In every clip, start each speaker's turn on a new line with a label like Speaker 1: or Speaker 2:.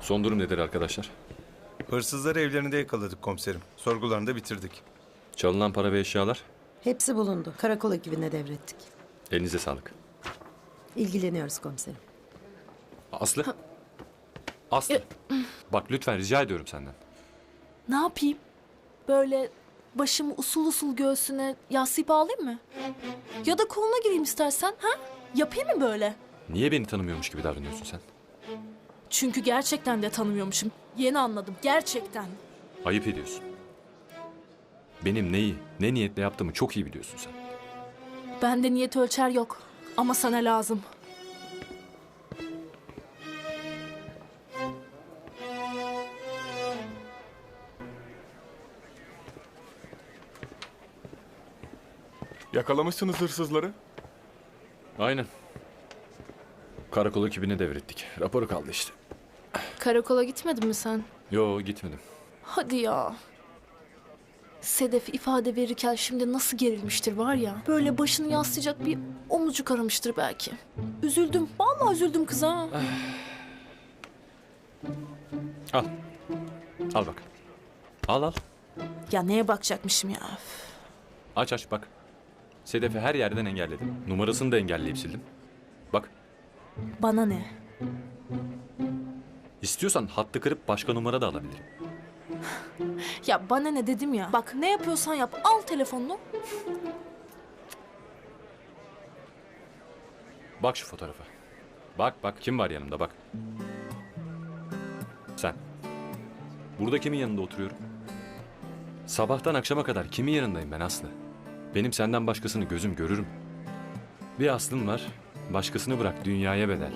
Speaker 1: Son durum nedir arkadaşlar?
Speaker 2: Hırsızları evlerinde yakaladık komiserim. Sorgularını da bitirdik.
Speaker 1: Çalınan para ve eşyalar?
Speaker 3: Hepsi bulundu. Karakol ekibine devrettik.
Speaker 1: Elinize sağlık.
Speaker 3: İlgileniyoruz komiserim.
Speaker 1: Aslı? Aslı. Bak lütfen rica ediyorum senden.
Speaker 4: Ne yapayım? Böyle başımı usul usul göğsüne yaslayıp ağlayayım mı? Ya da koluna gireyim istersen, ha? Yapayım mı böyle?
Speaker 1: Niye beni tanımıyormuş gibi davranıyorsun sen?
Speaker 4: Çünkü gerçekten de tanımıyormuşum. Yeni anladım, gerçekten.
Speaker 1: Ayıp ediyorsun. Benim neyi, ne niyetle yaptığımı çok iyi biliyorsun sen.
Speaker 4: Bende niyet ölçer yok. Ama sana lazım.
Speaker 5: Yakalamışsınız hırsızları.
Speaker 1: Aynen. Karakol ekibine devrettik. Raporu kaldı işte.
Speaker 4: Karakola gitmedin mi sen?
Speaker 1: Yo gitmedim.
Speaker 4: Hadi ya. Sedef ifade verirken şimdi nasıl gerilmiştir var ya. Böyle başını yaslayacak bir omuzcuk aramıştır belki. Üzüldüm. Vallahi üzüldüm kıza.
Speaker 1: Al. Al bak. Al al.
Speaker 4: Ya neye bakacakmışım ya? Üf.
Speaker 1: Aç aç bak. Sedef'i her yerden engelledim. Numarasını da engelleyip sildim. Bak.
Speaker 4: Bana ne?
Speaker 1: İstiyorsan hattı kırıp başka numara da alabilirim.
Speaker 4: Ya bana ne dedim ya. Bak ne yapıyorsan yap. Al telefonunu.
Speaker 1: Bak şu fotoğrafa. Bak bak kim var yanımda bak. Sen. Burada kimin yanında oturuyorum? Sabahtan akşama kadar kimin yanındayım ben Aslı? Benim senden başkasını gözüm görürüm. Bir aslım var. Başkasını bırak dünyaya bedel.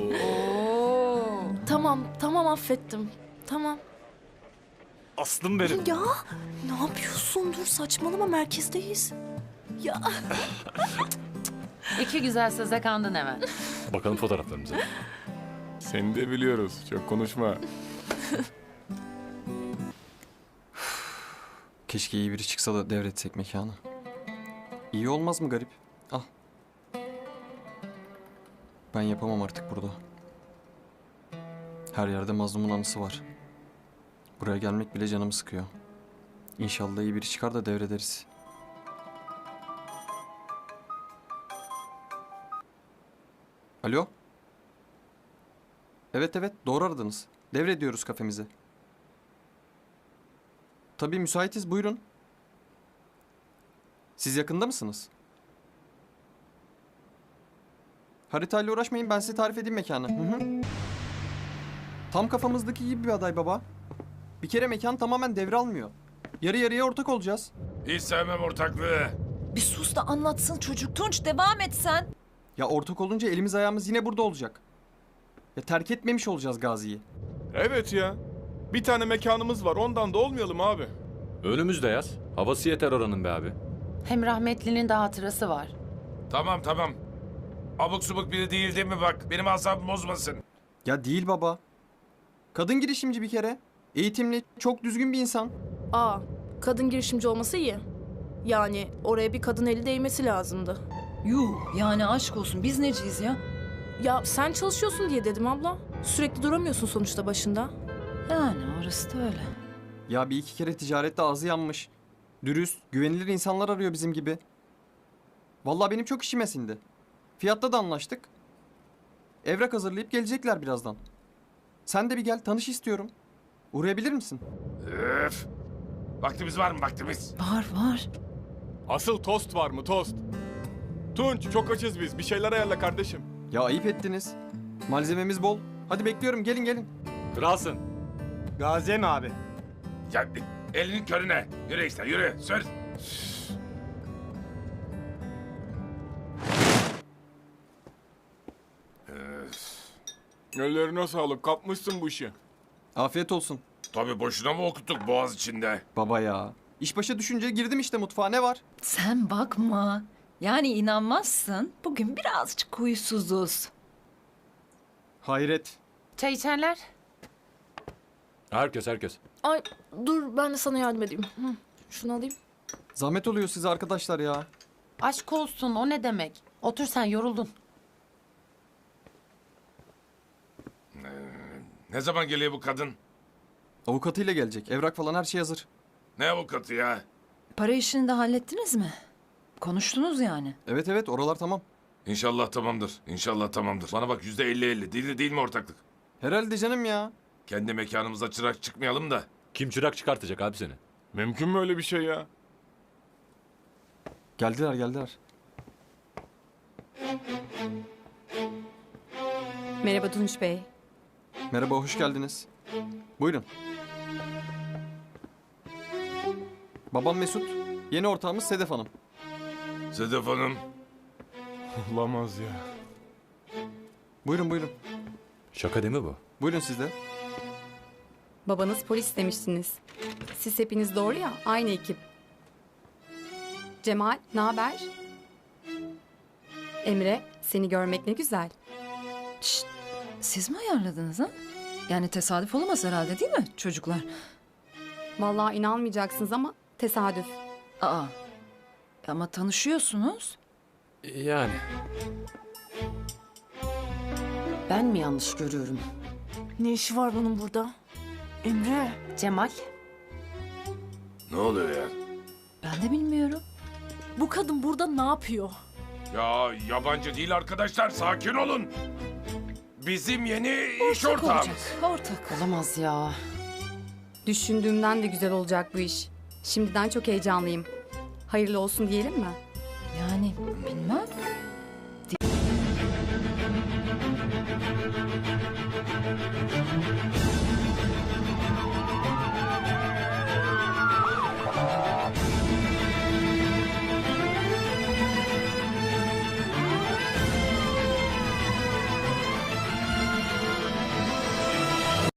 Speaker 4: Tamam affettim. Tamam.
Speaker 1: Aslım benim.
Speaker 4: Ya ne yapıyorsun? Dur saçmalama merkezdeyiz. Ya
Speaker 6: İki güzel söze kandın hemen.
Speaker 1: Bakalım fotoğraflarımıza.
Speaker 5: Seni de biliyoruz. Çok konuşma.
Speaker 7: Keşke iyi biri çıksa da devretsek mekanı. İyi olmaz mı garip? Al. Ben yapamam artık burada. Her yerde mazlumun anısı var. Buraya gelmek bile canımı sıkıyor. İnşallah iyi biri çıkar da devrederiz. Alo? Evet doğru aradınız. Devrediyoruz kafemizi. Tabii müsaitiz, buyurun. Siz yakında mısınız? Haritayla uğraşmayın, ben size tarif edeyim mekanı. Hı. Tam kafamızdaki gibi bir aday baba. Bir kere mekan tamamen devralmıyor. Yarı yarıya ortak olacağız.
Speaker 8: Hiç sevmem ortaklığı.
Speaker 9: Bir sus da anlatsın çocuk. Tunç devam et sen.
Speaker 7: Ya ortak olunca elimiz ayağımız yine burada olacak. Ya terk etmemiş olacağız Gazi'yi.
Speaker 5: Evet ya. Bir tane mekanımız var. Ondan da olmayalım abi.
Speaker 1: Önümüzde yaz. Havası yeter oranın be abi.
Speaker 6: Hem rahmetlinin de hatırası var.
Speaker 8: Tamam. Abuk subuk biri değil değil mi bak? Benim asabımı bozmasın.
Speaker 7: Ya değil baba. Kadın girişimci bir kere. Eğitimli, çok düzgün bir insan.
Speaker 4: kadın girişimci olması iyi. Yani oraya bir kadın eli değmesi lazımdı.
Speaker 9: Yuh yani aşk olsun biz neciyiz ya?
Speaker 4: Ya sen çalışıyorsun diye dedim abla. Sürekli duramıyorsun sonuçta başında.
Speaker 9: Yani orası da öyle.
Speaker 7: Ya bir iki kere ticarette ağzı yanmış. Dürüst, güvenilir insanlar arıyor bizim gibi. Vallahi benim çok işime sindi. Fiyatta da anlaştık. Evrak hazırlayıp gelecekler birazdan. Sen de bir gel, tanış istiyorum. Uğrayabilir misin?
Speaker 8: Öf. Vaktimiz var mı vaktimiz?
Speaker 9: Var.
Speaker 5: Asıl tost var mı tost? Tunç çok açız biz. Bir şeyler ayarla kardeşim.
Speaker 7: Ya ayıp ettiniz. Malzememiz bol. Hadi bekliyorum, gelin.
Speaker 1: Kralsın.
Speaker 2: Gazi mi abi?
Speaker 8: Ya elinin körüne. Yürü işte yürü. Sür.
Speaker 5: Ellerine sağlık. Kapmışsın bu işi.
Speaker 7: Afiyet olsun.
Speaker 8: Tabii boşuna mı okuttuk boğaz içinde?
Speaker 7: Baba ya. İş başa düşünce girdim işte mutfağa, ne var?
Speaker 9: Sen bakma. Yani inanmazsın. Bugün birazcık huysuzuz.
Speaker 7: Hayret.
Speaker 6: Çay içerler.
Speaker 1: Herkes.
Speaker 4: Ay dur ben de sana yardım edeyim. Şunu alayım.
Speaker 7: Zahmet oluyor size arkadaşlar ya.
Speaker 6: Aşk olsun, o ne demek? Otur sen, yoruldun.
Speaker 8: Ne zaman geliyor bu kadın?
Speaker 7: Avukatıyla gelecek. Evrak falan her şey hazır.
Speaker 8: Ne avukatı ya?
Speaker 9: Para işini de hallettiniz mi? Konuştunuz yani.
Speaker 7: Evet evet oralar tamam.
Speaker 8: İnşallah tamamdır. İnşallah tamamdır. Bana bak %50-50. Değil mi ortaklık?
Speaker 7: Herhalde canım ya.
Speaker 8: Kendi mekanımıza çırak çıkmayalım da.
Speaker 1: Kim çırak çıkartacak abi seni?
Speaker 5: Mümkün mü öyle bir şey ya?
Speaker 7: Geldiler.
Speaker 10: Merhaba Tunç Bey.
Speaker 7: Merhaba hoş geldiniz. Buyurun. Babam Mesut. Yeni ortağımız Sedef Hanım.
Speaker 8: Sedef Hanım.
Speaker 5: Olamaz ya.
Speaker 7: Buyurun.
Speaker 1: Şaka değil mi bu?
Speaker 7: Buyurun siz de.
Speaker 10: Babanız polis demiştiniz. Siz hepiniz doğru ya, aynı ekip. Cemal, ne haber? Emre, seni görmek ne güzel.
Speaker 9: Şşt, siz mi ayarladınız ha? Yani tesadüf olamaz herhalde değil mi çocuklar?
Speaker 10: Vallahi inanmayacaksınız ama tesadüf.
Speaker 9: Aa, ama tanışıyorsunuz.
Speaker 1: Yani.
Speaker 9: Ben mi yanlış görüyorum?
Speaker 4: Ne işi var bunun burada? Emre.
Speaker 6: Cemal.
Speaker 8: Ne oluyor ya?
Speaker 9: Ben de bilmiyorum.
Speaker 4: Bu kadın burada ne yapıyor?
Speaker 8: Ya yabancı değil arkadaşlar. Sakin olun. Bizim yeni iş
Speaker 9: Ortak
Speaker 8: ortağımız.
Speaker 9: olacak, ortak.
Speaker 6: Olamaz ya.
Speaker 10: Düşündüğümden de güzel olacak bu iş. Şimdiden çok heyecanlıyım. Hayırlı olsun diyelim mi?
Speaker 9: Yani bilmem.